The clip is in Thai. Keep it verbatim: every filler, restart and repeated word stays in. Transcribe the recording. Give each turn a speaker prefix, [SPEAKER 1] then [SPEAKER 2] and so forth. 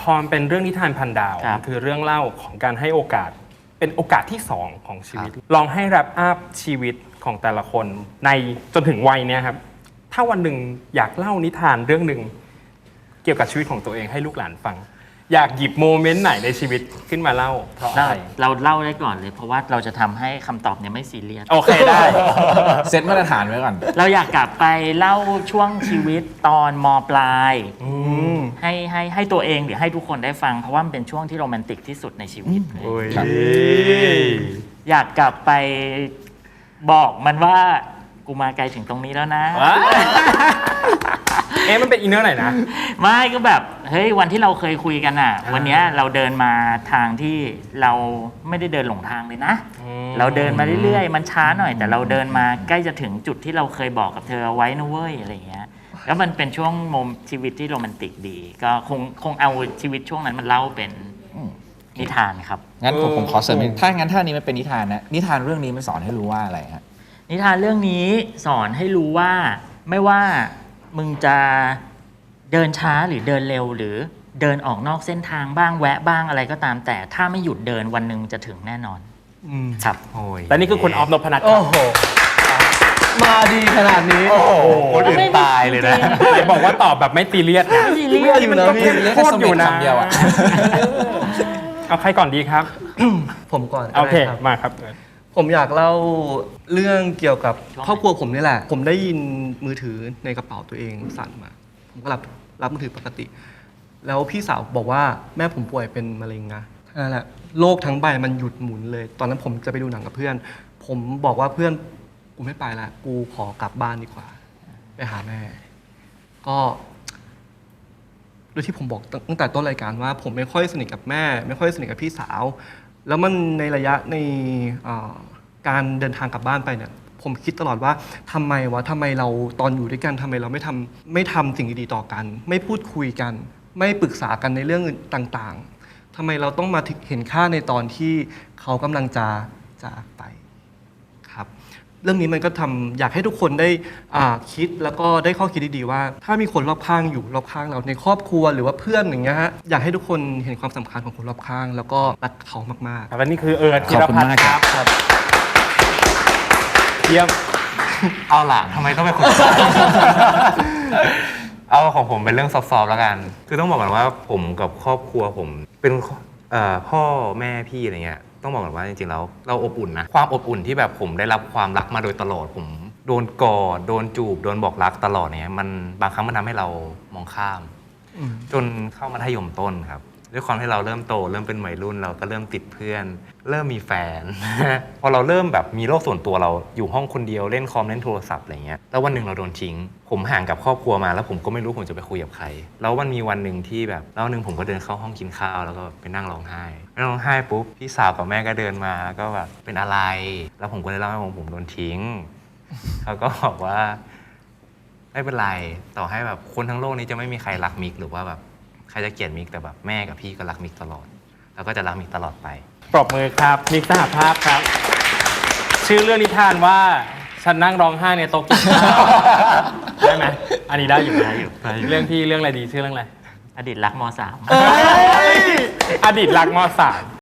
[SPEAKER 1] พอมันเป็นเรื่องนิทานพันดาวมันคือเรื่องเล่าของการให้โอกาสเป็นโอกาสที่สองของชีวิตลองให้แรปอัพชีวิตของแต่ละคนในจนถึงวัยเนี้ยครับถ้าวันหนึ่งอยากเล่านิทานเรื่องหนึ่งเกี่ยวกับชีวิตของตัวเองให้ลูกหลานฟังอยากหยิบโมเมนต์ไหนในชีวิตขึ้นมาเล่าเพราะอะไร
[SPEAKER 2] เราเล่าได้ก่อนเลยเพราะว่าเราจะทำให้คำตอบเนี่ยไม่ซีเรียส
[SPEAKER 1] โอเคได้
[SPEAKER 3] เซตมาตรฐานไว้ก่อน
[SPEAKER 2] เราอยากกลับไปเล่าช่วงชีวิตตอนมปลายให้ให้ให้ตัวเองหรือให้ทุกคนได้ฟังเพราะว่ามันเป็นช่วงที่โรแมนติกที่สุดในชีวิตเลย
[SPEAKER 3] ครับ
[SPEAKER 2] อยากกลับไปบอกมันว่ากูมาไกลถึงตรงนี้แล้วนะ
[SPEAKER 1] เอ๊ะมันเป็นอินเนอร์ไหนนะ
[SPEAKER 2] ไม่ก็แบบเฮ้ยวันที่เราเคยคุยกันอ่ะ วันเนี้ยเราเดินมาทางที่เราไม่ได้เดินหลงทางเลยนะ เราเดินมาเรื่อยๆมันช้าหน่อยแต่เราเดินมาใกล้จะถึงจุดที่เราเคยบอกกับเธอเอาไว้นะเว้ยอะไรอย่างเงี้ยแล้วมันเป็นช่วงโมมชีวิตที่โรแมนติกดี ก็คงคงเอาชีวิตช่วงนั้นมันเล่าเป็นนิทานครับ
[SPEAKER 3] งั้นผม
[SPEAKER 1] เออ
[SPEAKER 3] ผมขอเสริมนิดถ้างั้นถ้านี้มันเป็นนิทานนะนิทานเรื่องนี้มันสอนให้รู้ว่าอะไรฮะ
[SPEAKER 2] นิทานเรื่องนี้สอนให้รู้ว่าไม่ว่ามึงจะเดินช้าหรือเดินเร็วหรือเดินออกนอกเส้นทางบ้างแวะบ้างอะไรก็ตามแต่ถ้าไม่หยุดเดินวันหนึ่งจะถึงแน่นอนครับ
[SPEAKER 1] โอ้ยแต่นี่คือคุณออฟนพนัทค
[SPEAKER 4] โอ้
[SPEAKER 1] รับ
[SPEAKER 4] โห มาดีขนาดนี้
[SPEAKER 1] โอ้โห
[SPEAKER 2] คนอื่นตายเลยนะ
[SPEAKER 1] ไหนบอกว่าตอบแบบไม่ตีเลียดนะ
[SPEAKER 2] ไม่ซีเรียส
[SPEAKER 4] อยู่นะพี่
[SPEAKER 3] เรียก
[SPEAKER 1] พู
[SPEAKER 3] แค่
[SPEAKER 1] ด
[SPEAKER 3] ส
[SPEAKER 1] อ
[SPEAKER 3] มิ
[SPEAKER 1] ยู่
[SPEAKER 3] ธ
[SPEAKER 1] นะ
[SPEAKER 3] คำเดียวอ่ะ
[SPEAKER 1] เอาใครก่อนดีครับ
[SPEAKER 4] ผมก่อนก็
[SPEAKER 1] โอเค
[SPEAKER 4] ได้ครับ
[SPEAKER 1] มาครับ
[SPEAKER 4] ผมอยากเล่าเรื่องเกี่ยวกับครอบครัวผมนี่แหละ ผมได้ยินมือถือในกระเป๋าตัวเองสั่นมา ผมก็รับรับมือถือปกติ แล้วพี่สาวบอกว่าแม่ผมป่วยเป็นมะเร็งนะนั่นแหละโลกทั้งใบมันหยุดหมุนเลย ตอนนั้นผมจะไปดูหนังกับเพื่อน ผมบอกว่าเพื่อนกูไม่ไปละกูขอกลับบ้านดีกว่า ไปหาแม่ ก็โดยที่ผมบอกตั้งแต่ต้นรายการว่า ผมไม่ค่อยสนิทกับแม่ ไม่ค่อยสนิทกับพี่สาว แล้วมันในระยะในเอ่อการเดินทางกลับบ้านไปเนี่ยผมคิดตลอดว่าทำไมวะทำไมเราตอนอยู่ด้วยกันทำไมเราไม่ทำไม่ทำสิ่งดีๆต่อกัน ไม่พูดคุยกัน ไม่ปรึกษากันในเรื่องต่างๆทำไมเราต้องมาเห็นค่าในตอนที่เขากำลังจะจากไปครับ เรื่องนี้มันก็ทำอยากให้ทุกคนได้อ่าคิดแล้วก็ได้ข้อคิดดีๆว่า ถ้ามีคนรอบข้างอยู่รอบข้างเราในครอบครัวหรือว่าเพื่อนอย่างเงี้ยฮะอยากให้ทุกคนเห็นความสำคัญของคนรอบข้าง แล้วก็รักเขามาก
[SPEAKER 1] ครับและนี่คือเอิร์ธธีร
[SPEAKER 3] ขอบคุณ
[SPEAKER 1] พัฒ
[SPEAKER 3] มาก
[SPEAKER 1] น์ค
[SPEAKER 3] ครั
[SPEAKER 1] รับบ เยี่ยม
[SPEAKER 5] เอาล่ะทำไมต้องเป็นคน เอาของผมเป็นเรื่องซอฟต์ๆแล้วกัน คือต้องบอกก่อนว่าผมกับครอบครัวผมเป็นเอ่อพ่อแม่พี่อะไรเงี้ยต้องบอกก่อนว่าจริงๆแล้วเราอบอุ่นนะความอบอุ่นที่แบบผมได้รับความรักมาโดยตลอดผมโดนกอดโดนจูบโดนบอกรักตลอดเนี่ยมันบางครั้งมันทำให้เรามองข้าม จนเข้ามัธยมต้นครับด้วยความที่เราเริ่มโตเริ่มเป็นวัยรุ่นเราก็เริ่มติดเพื่อน เริ่มมีแฟน พอเราเริ่มแบบมีโลกส่วนตัวเราอยู่ห้องคนเดียวเล่นคอมเล่นโทรศัพท์อะไรเงี้ยแล้ววันหนึ่งเราโดนทิ้ง ผมห่างกับครอบครัวมาแล้วผมก็ไม่รู้ผมจะไปคุยกับใครแล้วมันมีวันหนึ่งที่แบบแล้ววันหนึ่งผมก็เดินเข้าห้องกินข้าวแล้วก็ไปนั่งร้องไห้นั่งร้องไห้ปุ๊บพี่สาวกับแม่ก็เดินมาก็แบบเป็นอะไร แล้วผมก็เลยเล่าให้ผมผมโดนทิ้ง เขาก็บอกว่า ไม่เป็นไรต่อให้แบบคนทั้งโลกนี้จะไม่มีใครรักมิกหรือว่าแบบใครจะเกลียดมิกแต่แบบแม่กับพี่ก็รักมิกตลอด แล้วก็จะรักมิกตลอดไป
[SPEAKER 1] ปรบมือครับมิกสหภาพครับ ชื่อเรื่องนิทานว่าฉันนั่งร้องไห้ในโต๊ะกินข้าวได้ไหมอันนี้ได้อยู่
[SPEAKER 2] ได้อยู่
[SPEAKER 1] เรื่องพี่เรื่องอะไรดีชื่อเรื่องอะไร
[SPEAKER 2] อดีตรักมสาม
[SPEAKER 1] อดีตรักมสาม